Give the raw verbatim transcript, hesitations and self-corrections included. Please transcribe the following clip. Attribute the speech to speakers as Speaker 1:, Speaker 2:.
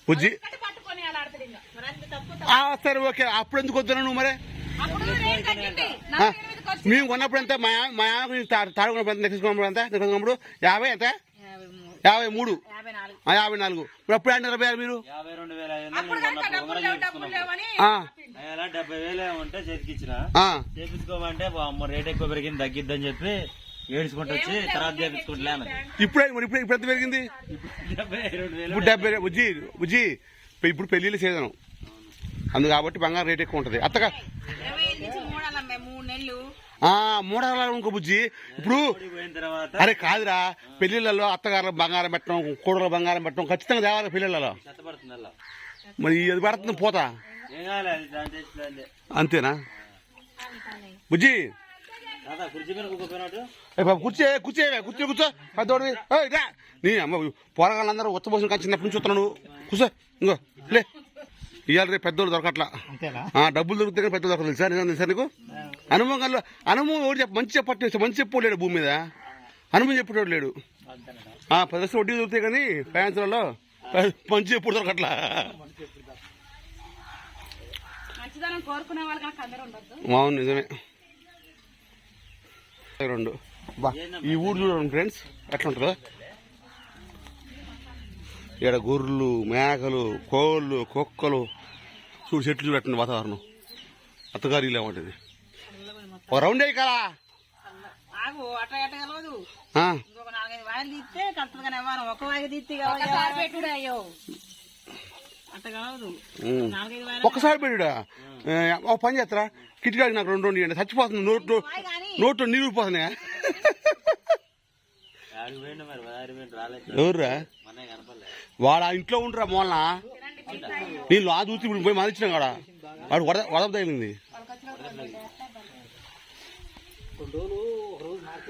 Speaker 1: బుజ్జి సరే ఓకే. అప్పుడు ఎందుకు వద్దున్నా నువ్వు మరి? మేము కొన్నప్పుడు ఎంత మా మా తాడుకున్నప్పుడు ఎంత నెక్కించుకున్నప్పుడు ఎంత నెక్కించుకున్నప్పుడు యాభై ఎంత యాభై మూడు యాభై నాలుగు. ఇప్పుడు అప్పుడు అంటే ఇరవై మీరు
Speaker 2: డెబ్బై వేలు ఉంటే చేతికిచ్చిన చేపించుకోమంటే రేట్ ఎక్కువ పెరిగింది తగ్గిద్దని చెప్పి ఏడ్చుకుంటూ వచ్చి తర్వాత చేపించుకుంటలే.
Speaker 1: ఇప్పుడు ఇప్పుడు ఇప్పుడు ఎంత పెరిగింది? ఇప్పుడు డెబ్బై. బుజ్జి బుజ్జి ఇప్పుడు పెళ్లిళ్ళ సీజన్ అందు కాబట్టి బంగారం రేట్ ఎక్కువ ఉంటది. అత్తగా మూడాల ఇంకో బుజ్జి. ఇప్పుడు అరే కాదురా, పెళ్లిళ్లలో అత్తగారు బంగారం పెట్టడం, కూడల బంగారం పెట్టడం ఖచ్చితంగా దేవాలి పెళ్లిళ్లలో. మరి అది పడుతుంది పోతా అంతేనా బుజ్జి? కూర్చే కూర్చే కూర్చో కూర్చో పెద్దోడి నీ అమ్మ పోరగాళ్ళందరూ ఉచ్చబోసిన కానీ చిన్నప్పటి నుంచి చూస్తున్నాను. కూర్చో ఇంకో లే. ఇవాళ రేపు పెద్దోళ్ళు దొరకట్లా, డబ్బులు దొరికితే కానీ పెద్దలు దొరకదు. సార్ నిజం సార్ నీకు అనుభవం కల్లా అనుభవం ఎవరు చెప్ప మంచి చెప్పట్లేదు, మంచి చెప్పలేడు భూమి మీద అనుభవం చెప్పేటోడు లేడు. పది లక్షలు వడ్డీ దొరుకుతాయి కానీ ఫైనాన్స్లలో మంచి ఎప్పుడు దొరకట్లా. అవును నిజమే. రెండు బా ఈ ఊరు చూడండి ఫ్రెండ్స్ ఎట్లా ఉంటుందో. ఇక్కడ గొర్రెలు, మేకలు, కోళ్ళు, కుక్కలు చూడు, చెట్లు చూడటండి వాతావరణం. అత్తగారు ఇలా ఉంటుంది. ఒక రౌండ్ అయ్యి కదా ఒక్కసారి పెట్టుడా. ఒక పని చేస్తారా, కిటికాడికి నాకు రెండు రెండు ఇవ్వండి. చచ్చిపోతుంది నోట్లో నోట్లో నీళ్ళు పోతున్నాయా? ఎవర్రా వాడు ఆ ఇంట్లో ఉండరా మూలన నీళ్ళు ఆ చూసి ఇప్పుడు పోయి మరిచినా కాడ వాడు వడ వదప తగిలింది.